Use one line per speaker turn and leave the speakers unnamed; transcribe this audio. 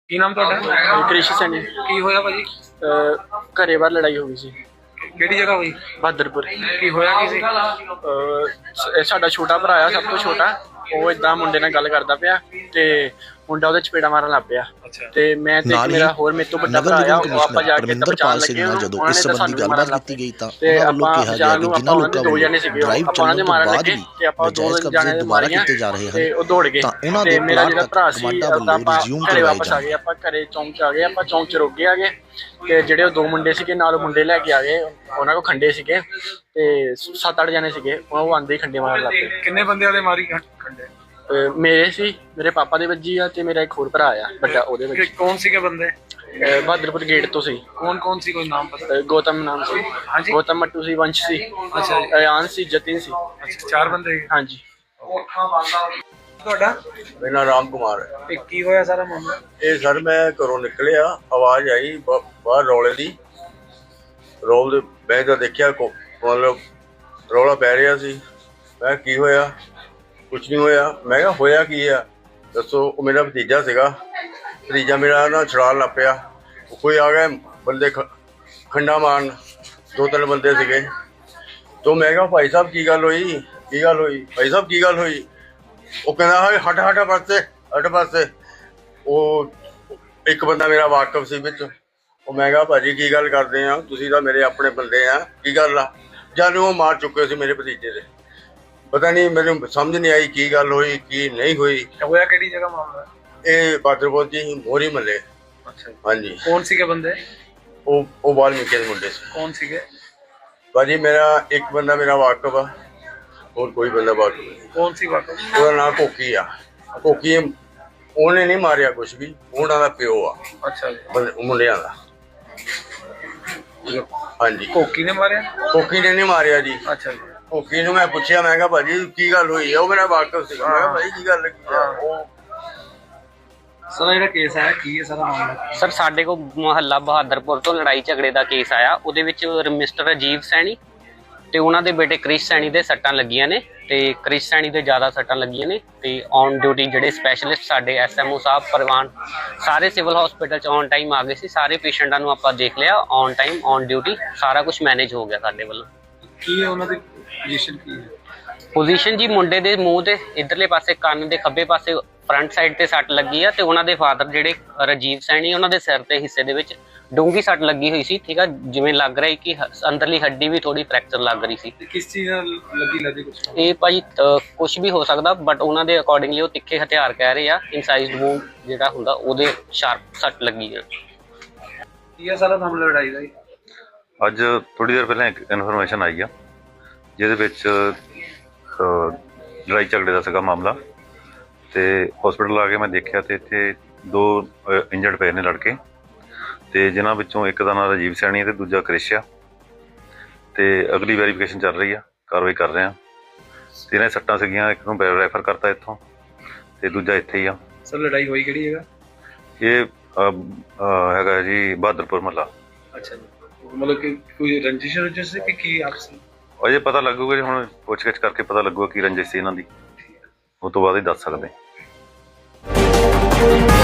ਕੀ ਨਾਮ ਤੁਹਾਡਾ?
ਕ੍ਰਿਸ਼ ਸੈਣੀ।
ਕੀ ਹੋਇਆ ਭਾਜੀ?
ਘਰੇ ਬਾਹਰ ਲੜਾਈ ਹੋ ਗਈ ਸੀ।
ਕਿਹੜੀ ਜਗ੍ਹਾ ਹੋਈ?
ਬਹਾਦਰਪੁਰ।
ਕੀ ਹੋਇਆ ਕੀ ਸੀ?
ਸਾਡਾ ਛੋਟਾ ਭਰਾ ਆ, ਸਭ ਤੋਂ ਛੋਟਾ। ਉਹ ਏਦਾਂ ਮੁੰਡੇ ਨਾਲ ਗੱਲ ਕਰਦਾ ਪਿਆ ਤੇ ਮੁੰਡਾ ਉਹਦੇ ਚਪੇੜਾ ਮਾਰਨ ਲੱਗ ਪਿਆ ਤੇ ਮੈਂ ਤੇ ਮੇਰਾ ਹੋਰ ਮੇਰੇ ਤੋਂ ਵੱਡਾ ਭਰਾ ਆ, ਉਹ ਆਪਾਂ ਜਾ ਕੇ ਬਚਾਉਣ ਲੱਗੇ।
ਜਦੋਂ ਇਸ ਸੰਬੰਧੀ ਗੱਲਬਾਤ ਕੀਤੀ ਗਈ ਤਾਂ
ਤੇ
ਉਹਨਾਂ ਵੱਲੋਂ
ਆਪਾਂ
ਕਿਹਾ ਗਿਆ ਕਿ ਜਿਨ੍ਹਾਂ ਲੋਕਾਂ
ਦੋ ਜਣੇ ਸੀਗੇ, ਆਪਾਂ ਉਹਨਾਂ ਦੇ ਮਾਰਨ ਲੱਗੇ ਤੇ ਆਪਾਂ ਦੋ ਜਣੇ ਦੇ ਮਾਰੀਆਂ ਤੇ ਉਹ ਦੌੜ ਗਏ ਤੇ ਮੇਰਾ ਜਿਹੜਾ ਭਰਾ ਸੀ ਆਪਾਂ ਘਰੇ ਵਾਪਸ ਆ ਗਏ। ਆਪਾਂ ਘਰੇ ਚੌਂਕ ਚ ਆ ਗਏ, ਆਪਾਂ ਚੌਂਕ ਚ ਰੁਕ ਗਏ ਆ ਗਏ ਤੇ ਜਿਹੜੇ ਉਹ ਦੋ ਮੁੰਡੇ ਸੀਗੇ ਨਾਲ ਮੁੰਡੇ ਲੈ ਕੇ ਆ ਗਏ, ਉਹਨਾਂ ਕੋਲ ਖੰਡੇ ਸੀਗੇ ਤੇ 7-8 ਜਣੇ ਸੀਗੇ। ਉਹ ਆਂਦੇ ਹੀ ਖੰਡੇ ਮਾਰਨ ਲੱਗ ਪਏ।
ਕਿੰਨੇ ਬੰਦੇ ਵਾਲੇ ਮਾਰੀ ਖੰਡੇ?
ਮੇਰੇ ਸੀ, ਮੇਰੇ ਪਾਪਾ ਦੇ ਵੱਜੀ ਆ ਤੇ ਮੇਰਾ ਇੱਕ ਹੋਰ ਭਰਾ ਆ ਵੱਡਾ, ਉਹਦੇ ਵਿੱਚ।
ਕੌਣ ਸੀਗੇ ਬੰਦੇ?
ਬਹਾਦਰਪੁਰ ਗੇਟ ਤੋਂ ਸੀ।
ਕੌਣ ਸੀ, ਕੋਈ ਨਾਮ ਪਤਾ?
ਗੌਤਮ ਨਾਮ ਸੀ।
ਹਾਂਜੀ।
ਗੌਤਮ ਮੱਟੂ ਸੀ, ਵੰਸ਼ ਸੀ,
ਅੱਛਾ ਜੀ।
ਅਯਾਨ ਸੀ, ਜਤਿਨ ਸੀ।
ਅੱਛਾ, 4 ਬੰਦੇ।
ਹਾਂਜੀ।
ਤੁਹਾਡਾ?
ਮੇਰਾ ਨਾਮ ਰਾਮ ਕੁਮਾਰ ਹੈ।
ਇਹ ਕੀ ਹੋਇਆ ਸਾਰਾ ਮਾਮਲਾ?
ਇਹ ਸਰ ਮੈਂ ਘਰੋਂ ਨਿਕਲਿਆ, ਆਵਾਜ਼ ਆਈ ਬਾਹਰ ਰੌਲੇ ਦੀ। ਰੋਲ ਦੇ ਮੈਂ ਤਾਂ ਦੇਖਿਆ ਮਤਲਬ ਰੌਲਾ ਪੈ ਰਿਹਾ ਸੀ। ਮੈਂ ਕੀ ਹੋਇਆ? ਕੁਛ ਨਹੀਂ ਹੋਇਆ। ਮੈਂ ਕਿਹਾ ਹੋਇਆ ਕੀ ਆ ਦੱਸੋ। ਉਹ ਮੇਰਾ ਭਤੀਜਾ ਸੀਗਾ। ਭਤੀਜਾ ਮੇਰਾ ਨਾ ਛੜਾਲ ਲੱਗ ਪਿਆ। ਕੋਈ ਆ ਗਏ ਬੰਦੇ ਖੰਡਾ ਮਾਰਨ, 2-3 ਬੰਦੇ ਸੀਗੇ। ਤੋਂ ਮੈਂ ਕਿਹਾ ਭਾਈ ਸਾਹਿਬ ਕੀ ਗੱਲ ਹੋਈ? ਕੀ ਗੱਲ ਹੋਈ ਭਾਈ ਸਾਹਿਬ, ਕੀ ਗੱਲ ਹੋਈ? ਉਹ ਕਹਿੰਦਾ ਹਟ ਪਾਸੇ। ਉਹ ਇੱਕ ਬੰਦਾ ਮੇਰਾ ਵਾਕਫ ਸੀ ਵਿੱਚ। ਉਹ ਮੈਂ ਕਿਹਾ ਭਾਜੀ ਕੀ ਗੱਲ ਕਰਦੇ ਆ, ਤੁਸੀਂ ਤਾਂ ਮੇਰੇ ਆਪਣੇ ਬੰਦੇ ਆ, ਕੀ ਗੱਲ ਆ? ਜਾਨੂੰ ਉਹ ਮਾਰ ਚੁੱਕੇ ਸੀ ਮੇਰੇ ਭਤੀਜੇ ਦੇ। ਪਤਾ ਨਹੀਂ, ਮੈਨੂੰ ਸਮਝ ਨਹੀਂ ਆਈ ਕੀ ਗੱਲ ਹੋਈ ਕੀ ਨਹੀਂ ਹੋਈ।
ਹੋਇਆ ਕਿਹੜੀ ਜਗ੍ਹਾ ਮਾਮਲਾ?
ਇਹ ਬਹਾਦਰਪੁਰ ਦੀ ਮੋਹਰੀ ਮਹੱਲੇ।
ਅੱਛਾ।
ਹਾਂਜੀ।
ਕੌਣ ਸੀਗੇ ਬੰਦੇ?
ਉਹ ਵਾਲਮੀਕੀ ਦੇ ਮੁੰਡੇ ਸੀ।
ਕੌਣ ਸੀਗੇ?
ਭਾਜੀ ਮੇਰਾ ਇੱਕ ਬੰਦਾ ਮੇਰਾ ਵਾਕਫ ਆ, ਹੋਰ ਕੋਈ ਬੰਦਾ ਵਾਕਫ ਨਹੀਂ।
ਕੌਣ ਸੀ ਵਾਕਫ?
ਉਹਦਾ ਨਾਂ ਕੋਕੀ ਆ। ਕੋਕੀ ਉਹਨੇ ਨਹੀਂ ਮਾਰਿਆ ਕੁਛ ਵੀ, ਉਹਨਾਂ ਦਾ ਪਿਓ ਆ।
ਅੱਛਾ ਜੀ।
ਮੁੰਡਿਆਂ ਦਾ। ਹਾਂਜੀ।
ਕੋਕੀ ਨੇ ਮਾਰਿਆ?
ਕੋਕੀ ਨੇ ਨਹੀਂ ਮਾਰਿਆ ਜੀ।
ਅੱਛਾ ਜੀ।
ਕੋਕੀ ਨੂੰ ਮੈਂ ਪੁੱਛਿਆ, ਮੈਂ ਕਿਹਾ ਭਾਜੀ ਕੀ ਗੱਲ ਹੋਈ ਆ? ਉਹ ਮੇਰਾ ਵਾਕਫ ਸੀ। ਮੈਂ ਕਿਹਾ ਭਾਈ ਕੀ ਗੱਲ ਲੱਗੀ ਆ? ਉਹ
ਸਰ ਜਿਹੜਾ ਕੇਸ ਆਇਆ ਕੀ ਹੈ ਸਾਰਾ ਮਾਮਲਾ?
ਸਰ ਸਾਡੇ ਕੋਲ ਮੁਹੱਲਾ ਬਹਾਦਰਪੁਰ ਤੋਂ ਲੜਾਈ ਝਗੜੇ ਦਾ ਕੇਸ ਆਇਆ। ਉਹਦੇ ਵਿੱਚ ਮਿਸਟਰ ਰਾਜੀਵ ਸੈਣੀ ਤੇ ਉਹਨਾਂ ਦੇ ਬੇਟੇ ਕ੍ਰਿਸ਼ ਸੈਣੀ ਦੇ ਸੱਟਾਂ ਲੱਗੀਆਂ ਨੇ ਤੇ ਕ੍ਰਿਸ਼ ਸੈਣੀ ਦੇ ਜ਼ਿਆਦਾ ਸੱਟਾਂ ਲੱਗੀਆਂ ਨੇ ਤੇ ਔਨ ਡਿਊਟੀ ਜਿਹੜੇ ਸਪੈਸ਼ਲਿਸਟ ਸਾਡੇ ਐਸਐਮਓ ਸਾਹਿਬ ਪਰਵਾਨ ਸਾਰੇ ਸਿਵਲ ਹਸਪੀਟਲ 'ਚ ਔਨ ਟਾਈਮ ਆ ਗਏ ਸੀ। ਸਾਰੇ ਪੇਸ਼ੈਂਟਾਂ ਨੂੰ ਆਪਾਂ ਦੇਖ ਲਿਆ ਔਨ ਟਾਈਮ ਔਨ ਡਿਊਟੀ, ਸਾਰਾ ਕੁਝ ਮੈਨੇਜ ਹੋ ਗਿਆ ਸਾਡੇ ਵੱਲੋਂ।
ਕੀ ਹੈ ਉਹਨਾਂ ਦੀ ਪੋਜੀਸ਼ਨ? ਕੀ ਹੈ
ਪੋਜੀਸ਼ਨ ਜੀ? ਮੁੰਡੇ ਦੇ ਮੂੰਹ ਦੇ ਇਧਰਲੇ ਪਾਸੇ ਕੰਨ ਦੇ ਖੱਬੇ ਪਾਸੇ ਫਰੰਟ ਸਾਈਡ ਤੇ ਸੱਟ ਲੱਗੀ ਆ ਤੇ ਉਹਨਾਂ ਦੇ ਫਾਦਰ ਜਿਹੜੇ ਰਾਜੀਵ ਸੈਣੀ, ਉਹਨਾਂ ਦੇ ਸਿਰ ਤੇ ਹਿੱਸੇ ਦੇ ਵਿੱਚ ਡੂੰਘੀ ਸੱਟ ਲੱਗੀ ਹੋਈ ਸੀ। ਠੀਕ ਆ, ਜਿਵੇਂ ਲੱਗ ਰਿਹਾ ਕਿ ਅੰਦਰਲੀ ਹੱਡੀ ਵੀ ਥੋੜੀ ਫ੍ਰੈਕਚਰ ਲੱਗ ਰਹੀ ਸੀ।
ਕਿਸ ਚੀਜ਼ ਨਾਲ ਲੱਗਦੀ ਕੁਝ?
ਇਹ ਭਾਜੀ ਕੁਝ ਵੀ ਹੋ ਸਕਦਾ, ਬਟ ਉਹਨਾਂ ਦੇ ਅਕੋਰਡਿੰਗਲੀ ਉਹ ਤਿੱਖੇ ਹਥਿਆਰ ਕਹਿ ਰਹੇ ਆ। ਇਨਸਾਈਜ਼ਡ ਵੂੰਡ ਜਿਹੜਾ ਹੁੰਦਾ ਉਹਦੇ ਸ਼ਾਰਪ ਸੱਟ ਲੱਗੀ ਆ।
ਕੀ ਹੈ ਸਾਰਾ ਮਾਮਲਾ ਲੜਾਈ ਦਾ?
ਅੱਜ ਥੋੜੀ ਦੇਰ ਪਹਿਲਾਂ ਇੱਕ ਇਨਫੋਰਮੇਸ਼ਨ ਆਈ ਆ ਜਿਹਦੇ ਵਿੱਚ ਲੜਾਈ ਝਗੜੇ ਦਾ ਸੀਗਾ ਮਾਮਲਾ ਤੇ ਹਸਪੀਟਲ ਆ ਕੇ ਮੈਂ ਦੇਖਿਆ ਤੇ ਇੱਥੇ 2 ਇੰਜਰਡ ਪਏ ਨੇ ਲੜਕੇ ਤੇ ਜਿਨ੍ਹਾਂ ਵਿੱਚੋਂ ਇੱਕ ਦਾ ਨਾਮ ਰਾਜੀਵ ਸੈਣੀ ਤੇ ਦੂਜਾ ਕ੍ਰਿਸ਼ ਆ ਤੇ ਅਗਲੀ ਵੈਰੀਫਿਕੇਸ਼ਨ ਚੱਲ ਰਹੀ ਆ, ਕਾਰਵਾਈ ਕਰ ਰਹੇ ਆ। ਤੇ ਇਹਨਾਂ ਸੱਟਾਂ ਸੀਗੀਆਂ, ਇੱਕ ਨੂੰ ਰੈਫਰ ਕਰਤਾ ਇੱਥੋਂ ਤੇ ਦੂਜਾ ਇੱਥੇ ਹੀ ਆ।
ਸਰ ਲੜਾਈ ਹੋਈ ਕਿਹੜੀ ਜਗ੍ਹਾ?
ਇਹ ਹੈਗਾ ਜੀ ਬਹਾਦਰਪੁਰ ਮਹੱਲਾ।
ਅੱਛਾ ਜੀ। ਮਤਲਬ ਕਿ ਕੋਈ ਰੰਜਿਸ਼ ਸੀ ਕਿ ਕੀ ਆਪਸ ਵਿੱਚ?
ਅਜੇ ਪਤਾ ਲੱਗੂਗਾ ਜੀ, ਹੁਣ ਪੁੱਛਗਿੱਛ ਕਰਕੇ ਪਤਾ ਲੱਗੂਗਾ ਕੀ ਰੰਜਿਸ਼ ਸੀ ਇਹਨਾਂ ਦੀ, ਉਹ ਤੋਂ ਬਾਅਦ ਹੀ ਦੱਸ ਸਕਦੇ।